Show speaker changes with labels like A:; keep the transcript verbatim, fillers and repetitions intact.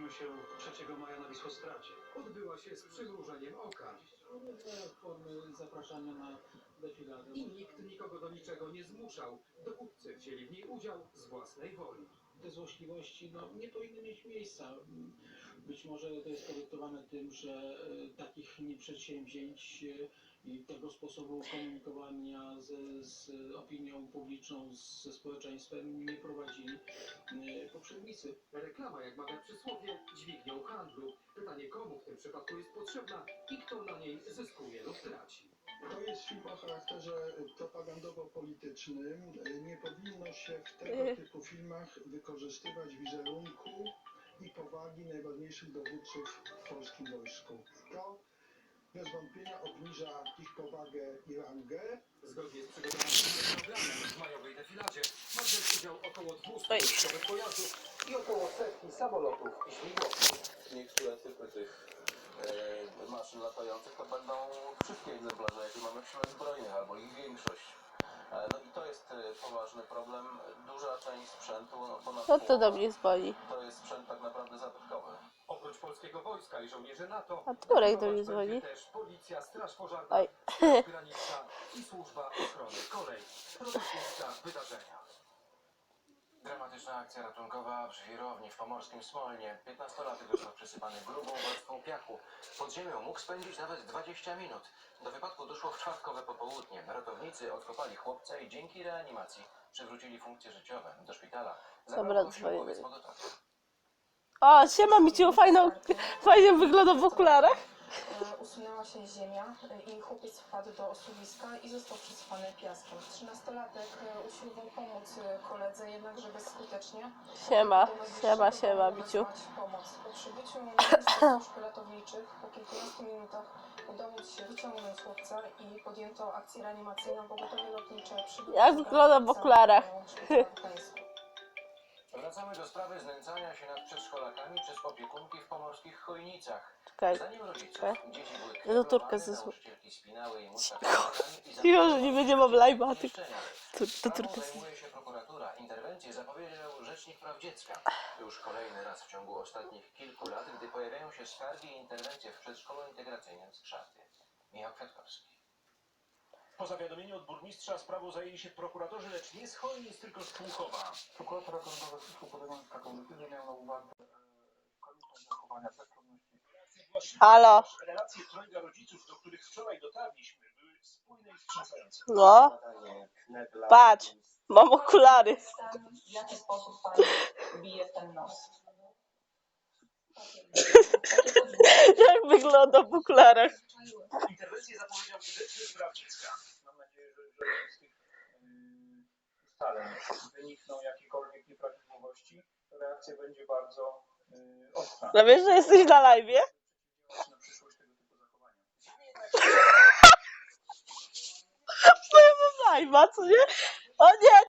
A: wydarzyły się trzeciego maja na Wisłostradzie. Odbyła się z przymrużeniem oka.
B: Formy zapraszania na defiladę.
A: I nikt nikogo do niczego nie zmuszał. Dowódcy wzięli w niej udział z własnej woli.
B: Te złośliwości no, nie powinny mieć miejsca. Być może to jest podyktowane tym, że e, takich przedsięwzięć e, i tego sposobu komunikowania z, z opinią publiczną, z, ze społeczeństwem nie prowadzili e, poprzednicy.
A: Reklama, jak mawia przysłowie, dźwignią handlu. Pytanie, komu w tym przypadku jest potrzebna i kto na niej zyskuje lub traci.
C: To jest film o charakterze propagandowo-politycznym. Nie powinno się w tego typu filmach wykorzystywać wizerunku i powagi najważniejszych dowódców w polskim wojsku. To bez wątpienia obniża ich powagę i rangę.
A: Zgodnie z przygotowanym programem w majowej defiladzie ma wziąć udział około dwieście wojskowych pojazdów i około setki samolotów i śmigłowców.
D: Niektóre typy tych e, maszyn latających to będą wszystkie egzemplarze, jakie mamy w siłach zbrojnych, albo ich większość. E, no i to jest e, poważny problem. Duża część sprzętu, no ponad
E: Co to do
D: połowa,
E: mnie dzwoni?
D: to jest sprzęt tak naprawdę zabytkowy.
A: Oprócz polskiego wojska i żołnierzy NATO,
E: A Turek do
A: nadzorować
E: mnie dzwoni.
A: będzie też policja, straż pożarna,
E: Oj.
A: straż graniczna i służba ochrony kolei. Producenta wydarzenia.
F: Dramatyczna akcja ratunkowa przy wirowni w pomorskim Smolnie. piętnastolatek został przysypany grubą warstwą piachu. Pod ziemią mógł spędzić nawet dwadzieścia minut. Do wypadku doszło w czwartkowe popołudnie. Ratownicy odkopali chłopca i dzięki reanimacji przywrócili funkcje życiowe. Do szpitala
E: Dobra,
F: zabrał go
E: dzwonię.
F: śmigłowiec pogotowy.
E: O, siema Miciu, fajną, fajnie wygląda w okularach.
G: Usunęła się ziemia i chłopiec wpadł do osuwiska i został przysypany piaskiem. Trzynastolatek usiłował pomóc koledze, jednakże bezskutecznie.
E: Siema,
G: Do najbliższego
E: siema, siema
G: domu
E: Miciu.
G: wezwać pomoc. Po przybyciu na miejsce służb ratowniczych po kilkunastu minutach udało się wyciągnąć chłopca i podjęto akcję reanimacyjną. Pogotowie lotnicze przybyło.
E: Jak wygląda w okularach?
F: Wracamy do sprawy znęcania się nad przedszkolakami przez opiekunki w pomorskich Chojnicach.
E: Czekaj,
F: Zdaniem rodziców,
E: czekaj.
F: dzieci były
E: Ja do Turka
F: knelowane,
E: zesłu-
F: nauczycielki spinały im usta
E: Cicho.
F: klamkami i
E: Cicho, że nie będzie mam live'a, tylko
F: pomieszczeniach.
E: to, to
F: Sprawą
E: Turka.
F: zajmuje się prokuratura. Interwencję zapowiedział Rzecznik Praw Dziecka. Już kolejny raz w ciągu ostatnich kilku lat, gdy pojawiają się skargi i interwencje w przedszkolu integracyjnym z Krzaty. Michał Kwiatkowski.
H: Po zawiadomieniu od burmistrza sprawą zajęli się prokuratorzy, lecz nie z Chojnic, tylko z Płuchowa.
I: Prokurator okręgowy w Słupsku, podejmując taką decyzję, miał na uwadze e, konieczność zachowania bezstronności.
E: Halo.
H: Relacje trojga rodziców, do których wczoraj dotarliśmy, były spójne i wstrząsające.
E: No, patrz, mam okulary.
G: W jaki sposób pani bije w ten nos?
E: Jak wygląda w okularach?
H: Interwencję zapowiedział Rzecznik Praw Dziecka.
I: Mam nadzieję, że jeżeli z tych yy, ustaleń wynikną jakiekolwiek nieprawidłowości, to reakcja będzie bardzo yy, ostra.
E: No wiesz, że jesteś na live'ie?
I: Na przyszłość tego typu zachowania.
E: No ja mam live'a, co nie? O nie!